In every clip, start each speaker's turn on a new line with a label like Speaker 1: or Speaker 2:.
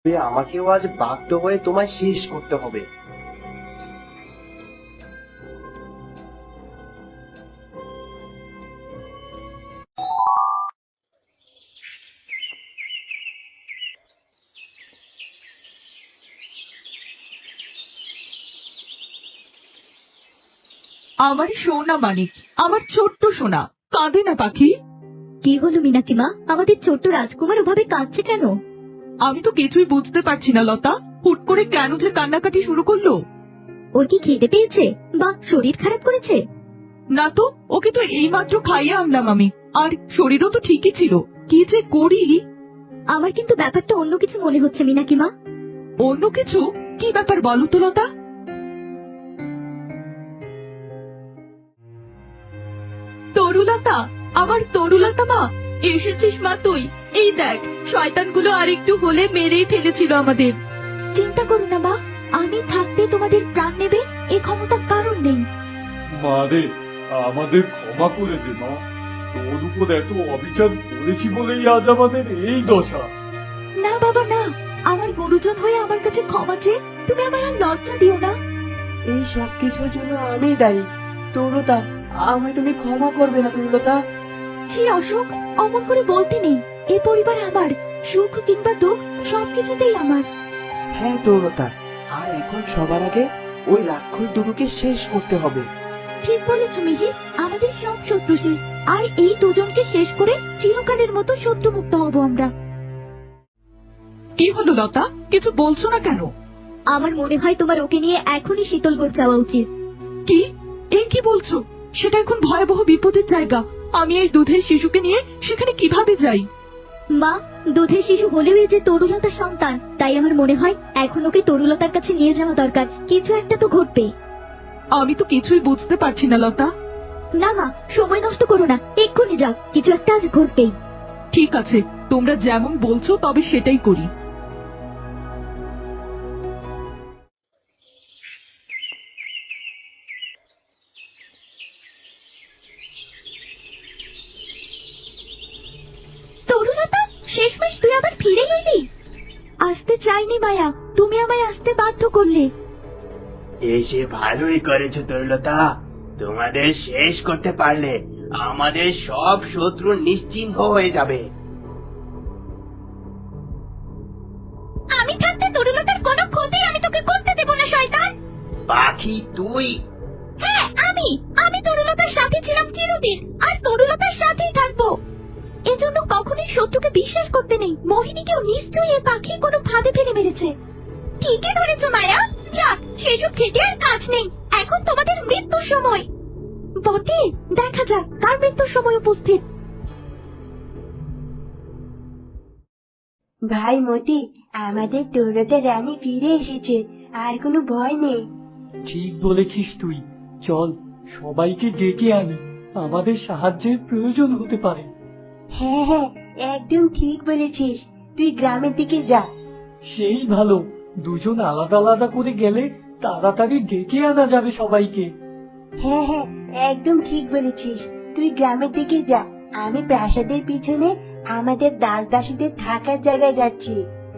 Speaker 1: আমাকেও আজ বাধ্য হয়ে তোমায় শেষ করতে হবে।
Speaker 2: আমার সোনা মানিক, আমার ছোট্ট সোনা, কাঁদে না পাখি।
Speaker 3: কি হলো মিনাকি মা, আমাদের ছোট্ট রাজকুমার ওভাবে কাঁদছে কেন?
Speaker 2: আমি তো কিছুই বুঝতে পারছি না লতা, হুট করে কেন যে কান্নাকাটি শুরু করলো।
Speaker 3: ওর কি খিদে পেয়েছে বা শরীর খারাপ করেছে?
Speaker 2: না তো, ওকে তো এইমাত্র খাইয়ে আনলাম আমি, আর শরীরও তো ঠিকই ছিল। কি যে করি।
Speaker 3: আমার কিন্তু ব্যাপারটা অন্য কিছু মনে হচ্ছে মিনাকি মা।
Speaker 2: অন্য কিছু? কি ব্যাপার বলো তো লতা। তরুলতা, আমার তরুলতা মা, এসেছিস মা তুই? এই দেখ, শয়তানগুলো আরেকটু হলে মেরেই ফেলেছিল আমাদের।
Speaker 3: চিন্তা করো না মা, আমি থাকতে তোমাদের প্রাণ নেবে এ ক্ষমতা কারণ নেই।
Speaker 4: মা রে, আমাদের ক্ষমা করে দে মা। তোর উপর এত অবিচার করেছি বলেই আজ আমাদের এই দশা।
Speaker 3: না বাবা না, আমার গুরুজন হয়ে আমার কাছে ক্ষমা চেয়ে তুমি আমার আর লজ্জা দিও না।
Speaker 1: এই সব কিছুর জন্য আমি দায়ী। তরুলতা, আমায় তুমি ক্ষমা করবে না তরুলতা।
Speaker 3: ছি অশোক, অমন করে বলতে নেই। এ পরিবার আমার, সুখ কিংবা দুঃখ সবকিছুতেই আমার।
Speaker 1: হ্যাঁ তরুলতা, আর এখন সবার আগে ওই রাক্ষস দুটোকে শেষ করতে হবে।
Speaker 3: ঠিক বলেছ মিহির, আমাদের সব শত্রু শেষ, আর এই দুজনকে শেষ করে চিরকালের মতো শত্রু মুক্ত হব আমরা।
Speaker 2: কি হলো লতা, কিছু বলছো না কেন?
Speaker 3: আমার মনে হয় তোমার ওকে নিয়ে এখনই শীতলগড় যাওয়া উচিত।
Speaker 2: কি? এই কি বলছো? সেটা এখন ভয়াবহ বিপদের জায়গা। আমি এই দুধের শিশুকে নিয়ে সেখানে কিভাবে যাই?
Speaker 3: মা, দুধের শিশু হলেও এই যে তরুলতার সন্তান, তাই আমার মনে হয় এখন ওকে তরুলতার কাছে নিয়ে যাওয়া দরকার। কিছু একটা তো ঘটবে।
Speaker 2: আমি তো কিছুই বুঝতে পারছি না লতা।
Speaker 3: না মা, সময় নষ্ট করো না, এক্ষুনি যাও, কিছু একটা আজ ঘটবেই।
Speaker 2: ঠিক আছে, তোমরা যেমন বলছো তবে সেটাই করি।
Speaker 3: তরুলতা, শেষমেশ তুই আবার ফিরে এলি। আসতে চাইনি মায়া, তুমি আমায় আসতে বাধ্য করলে।
Speaker 1: এসে ভালোই করেছো তরুলতা, তোমাদের শেষ করতে পারলে আমাদের সব শত্রু নিশ্চিহ্ন হয়ে যাবে।
Speaker 3: আমি থাকতে তরুলতার কোনো ক্ষতি আমি তোকে করতে দেব না শয়তান।
Speaker 1: পাখি তুই?
Speaker 3: হ্যাঁ আমি তরুলতার সাথে ছিলাম চিরদিন, আর তরুলতার সাথেই থাকবো। এজন্য কখনোই শত্রুকে বিশ্বাস করতে নেই। মোহিনীকেও নিশ্চয়ই এ পাখি কোনো ফাঁদে ফেলে মেরেছে। ঠিকই ধরেছো মায়া, যাক সেসব থেকে আর কাজ নেই, এখন তোমাদের মৃত্যুর সময়। বটে, দেখা যাক কার মৃত্যুর সময় উপস্থিত। ভাই মতি, আমাদের তরুলতা রানী ফিরে এসেছে, আর কোনো ভয় নেই।
Speaker 4: ঠিক বলেছিস তুই। চল সবাইকে ডেকে আনি, আমাদের সাহায্যের প্রয়োজন হতে পারে।
Speaker 3: হ্যাঁ হ্যাঁ, একদম ঠিক বলেছিস, তুই গ্রামের দিকে যা।
Speaker 4: সেই ভালো, দুজন আলাদা আলাদা করে গেলে তাড়াতাড়ি ডেকে আনা যাবে সবাইকে।
Speaker 3: হ্যাঁ হ্যাঁ, একদম ঠিক বলেছিস, তুই গ্রামের দিকে যা, আমি প্রাসাদের পিছনে আমাদের দাস দাসীদের থাকার জায়গায় যাচ্ছি।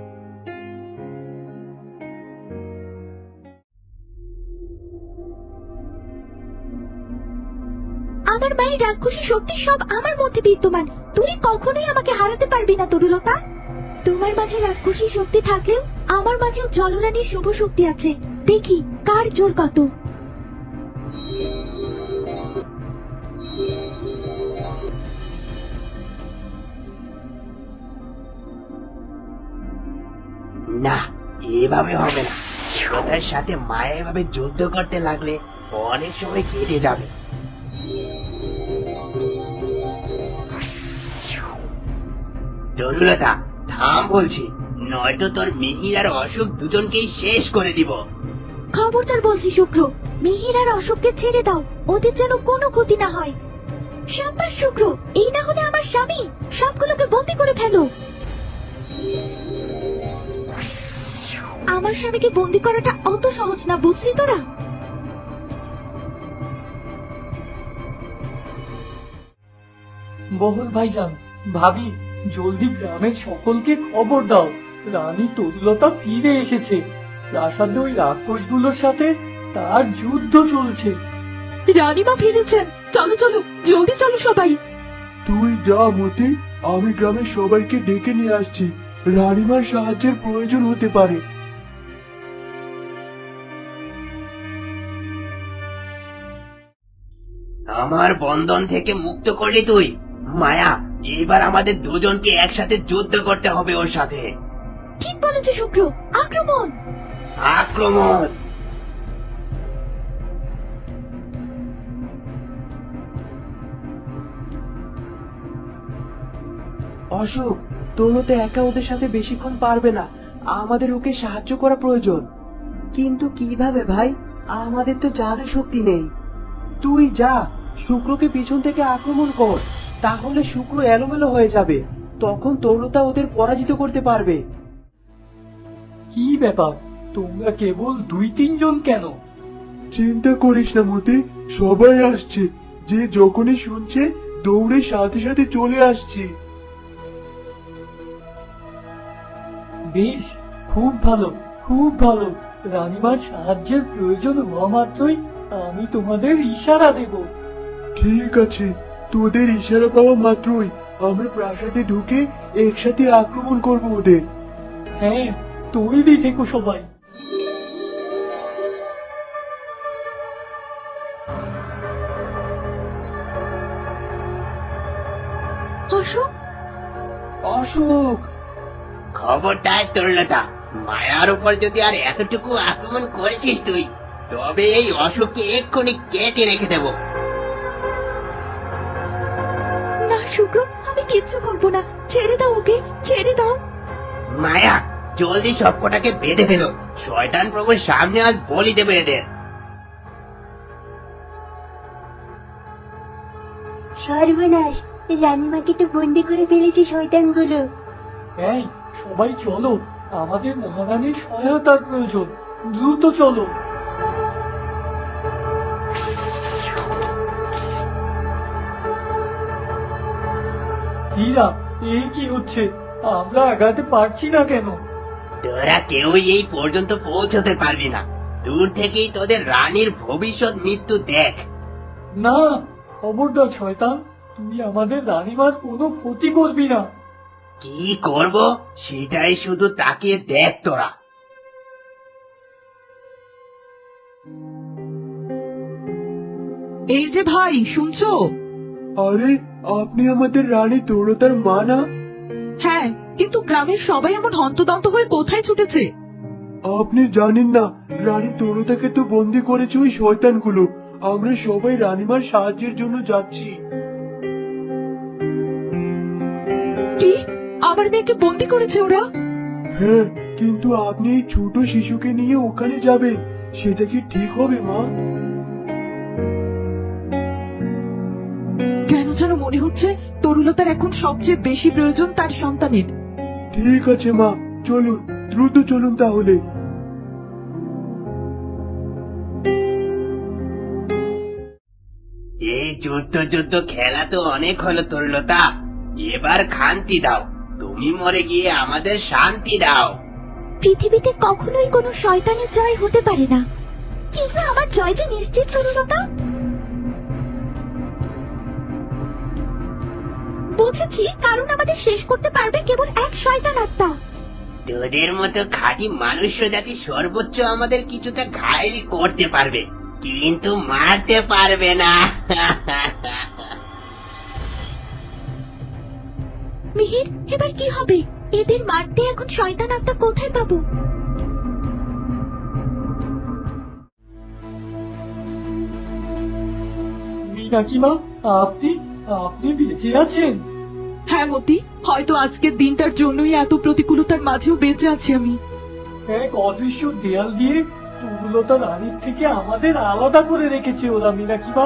Speaker 3: আমার মায়ের রাক্ষসী শক্তি সব আমার মধ্যে বিদ্যমান, তুই কখনোই আমাকে হারাতে পারবি না তরুলতা। তোমার মাঝে রাক্ষসী শক্তি থাকলেও আমার মাঝেও জলরানীর শুভ শক্তি আছে, দেখি কার জোর কত।
Speaker 1: না, এভাবে হবে না। তরুলতার সাথে মায়া এভাবে যুদ্ধ করতে লাগলে অনেক সময় কেটে যাবে। তরুলতা থাম বলছি, নয়তো তোর মিহির আর অশোক দুজনকেই শেষ করে দিব।
Speaker 3: খবরদার বলছি শুক্র, মিহির আর অশোককে ছেড়ে দাও, ওদের যেন কোনো ক্ষতি না হয়। সাব্বাস শুক্র, এই না হলে আমার স্বামী, সবগুলোকে বন্দি করে ফেলো। আমার স্বামীকে বন্দি করাটা অত সহজ না, বুঝলি তোরা?
Speaker 4: বহল ভাইজান, ভাবি, জলদি গ্রামের সকলকে খবর দাও,
Speaker 5: রানী তরুলতা ফিরে এসেছে। প্রাসাদে ওই রাক্ষসগুলোর সাথে তার যুদ্ধ চলছে।
Speaker 2: রানীমা ফিরেছেন, চলো চলো, জলদি চলো সবাই।
Speaker 4: তুই যা মতি, আমি গ্রামের সবাইকে ডেকে নিয়ে আসছি। রানীমার সাহায্যের প্রয়োজন হতে পারে।
Speaker 1: আমার বন্ধন থেকে মুক্ত করলি তুই। মায়া, এবার আমাদের দুজনকে একসাথে যুদ্ধ করতে হবে ওর সাথে।
Speaker 3: ঠিক বলেছে শুক্র, আক্রমণ!
Speaker 1: আক্রমণ!
Speaker 5: অশোক, তরুলতা একা ওদের সাথে বেশিক্ষণ পারবে না। আমাদের ওকে সাহায্য করা প্রয়োজন। কিন্তু কিভাবে ভাই? আমাদের তো জাদু শক্তি নেই। তুই যা, শুক্রকে পিছন থেকে আক্রমণ কর। তাহলে শুক্র এলোমেলো হয়ে যাবে। তখন তরুলতা ওদের পরাজিত করতে পারবে। কি ব্যাপার, তোমরা কেবল 2-3 জন কেন?
Speaker 4: চিন্তা করিস না মতি, সবাই আসছে। যে যখনই শুনছে দৌড়ে সাথে সাথে চলে আসছে।
Speaker 5: বেশ, খুব ভালো, খুব ভালো। রানীমার সাহায্যের প্রয়োজন হওয়া মাত্রই আমি তোমাদের ইশারা দেব।
Speaker 4: ঠিক আছে, তোদের ইশারা পাওয়া মাত্রই আমরা প্রাসাদে ঢুকে একসাথে আক্রমণ করব ওদের।
Speaker 5: হ্যাঁ, তৈরি থেকো সবাই।
Speaker 3: অশোক,
Speaker 5: অশোক,
Speaker 1: খবরদার তরুলতা, মায়ার উপর যদি আর এতটুকু আক্রমণ করেছিস তুই, তবে এই অশোককে এক্ষুনি কেটে রেখে দেব।
Speaker 3: না শুক্র, আমি কিচ্ছু করবো না। ছেড়ে দাও ওকে, ছেড়ে দাও।
Speaker 1: মায়া, জলদি সবকটাকে বেঁধে ফেলো। শয়তান প্রভুর সামনে আজ বলি দেবে এদের।
Speaker 3: সর্বনাশ, রানীমাকে তো বন্দি করে ফেলেছে শয়তানগুলো।
Speaker 5: এই সবাই চলো, আমাদের মহারানীর সহায়তার প্রয়োজন। দ্রুত চলো। হীরা, এই কি হচ্ছে? আমরা আগাতে পারছি না কেন?
Speaker 1: তোরা কেউই এই পর্যন্ত পৌঁছতে পারবি না। দূর থেকেই তোদের রানীর ভবিষ্যৎ মৃত্যু দেখ।
Speaker 5: না, খবরদার শয়তান, তুই আমাদের রানীমার কোনো ক্ষতি করবি না।
Speaker 1: কি করব সেটাই শুধু তাকিয়ে দেখ তোরা।
Speaker 2: এই যে ভাই, শুনছো?
Speaker 4: আরে, আপনি আমাদের রানী তরুলতার মা না?
Speaker 2: হ্যাঁ, কিন্তু গ্রামের সবাই এমন হন্তদন্ত হয়ে কোথায় ছুটেছে?
Speaker 4: আপনি জানেন না, রানী তরুলতাকে তো বন্দি করেছে ওই শয়তানগুলো। আমরা সবাই রানীমার সাহায্যের জন্য যাচ্ছি।
Speaker 2: কি? আমার মেয়েকে বন্দি করেছে ওরা?
Speaker 4: হ্যাঁ, কিন্তু আপনি এই ছোট শিশুকে নিয়ে ওখানে যাবেন, সেটা কি ঠিক হবে মা?
Speaker 2: কেন যেন মনে হচ্ছে তরুলতার এখন সবচেয়ে বেশি প্রয়োজন তার সন্তানের।
Speaker 4: ঠিক আছে মা, চলুন, দ্রুত চলুন তাহলে।
Speaker 1: এই যুদ্ধ খেলা তো অনেক হলো তরুলতা, এবার শান্তি দাও। তুমি মরে গিয়ে আমাদের শান্তি দাও।
Speaker 3: পৃথিবীতে কখনোই কোনো শয়তানের জয় হতে পারে না, কিন্তু আমার জয়টা নিশ্চিত তরুলতা। বুঝেছি, কারণ আমাদের শেষ করতে পারবে কেবল এক শয়তান আত্মা।
Speaker 1: তোদের মতো খাঁটি মানুষ জাতি সর্বোচ্চ আমাদের কিছুটা ঘায়েল করতে পারবে, কিন্তু মারতে পারবে না।
Speaker 3: মিহির, এবার কি হবে? এদের মারতে এখন শয়তান আত্মা কোথায় পাবো?
Speaker 5: মীনাকিমা, আপনি আপনি বেঁচে আছেন?
Speaker 2: হ্যাঁ মতি, হয়তো আজকের দিনটার জন্যই এত প্রতিকূলতার মাঝেও বেঁচে আছি আমি।
Speaker 5: এক অদৃশ্য দেয়াল দিয়ে তরুলতা রানীর থেকে আমাদের আলাদা করে রেখেছে ওরা। মীনাকিমা,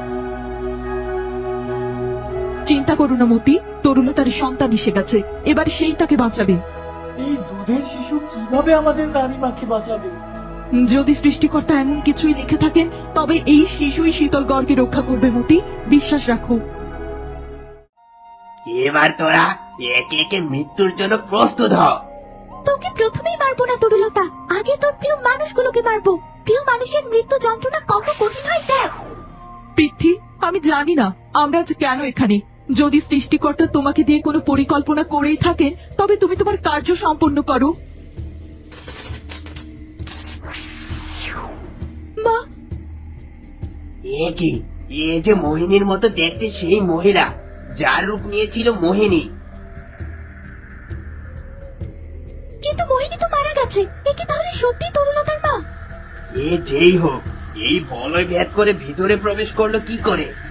Speaker 2: চিন্তা করো না মতি, তরুলতার সন্তান এসে গেছে, এবার সেই তাকে বাঁচাবে।
Speaker 5: এই দুধের শিশু কিভাবে আমাদের রানীমাকে বাঁচাবে?
Speaker 2: যদি সৃষ্টিকর্তা এমন কিছুই লিখে থাকেন, তবে এই শিশুই শীতলগড়কে রক্ষা করবে মতি, বিশ্বাস রাখো।
Speaker 1: এবার তোরা একে একে মৃত্যুর জন্য প্রস্তুত হ।
Speaker 3: তোকে প্রথমেই মারবো না তরুলতা, আগে তোর প্রিয় মানুষগুলোকে মারবো। প্রিয় মানুষের মৃত্যু যন্ত্রণা কত কঠিন হয় দেখ।
Speaker 2: পৃথ্বী, আমি জানি না আমরা আজ কেন এখানে। যদি সৃষ্টিকর্তা তোমাকে দিয়ে কোনো পরিকল্পনা করেই থাকেন, তবে তুমি তোমার কার্য সম্পন্ন করো। মা,
Speaker 1: এ কি, এ যে মোহিনীর মতো দেখতে সেই মহিলা যার রূপ নিয়েছিল মোহিনী।
Speaker 3: কিন্তু মোহিনী তো মারা গেছে, এ কি তাহলে সত্যি তরুলতার মা?
Speaker 1: এ যেই হোক, এই বলয় ভেদ করে ভিতরে প্রবেশ করলো কি করে?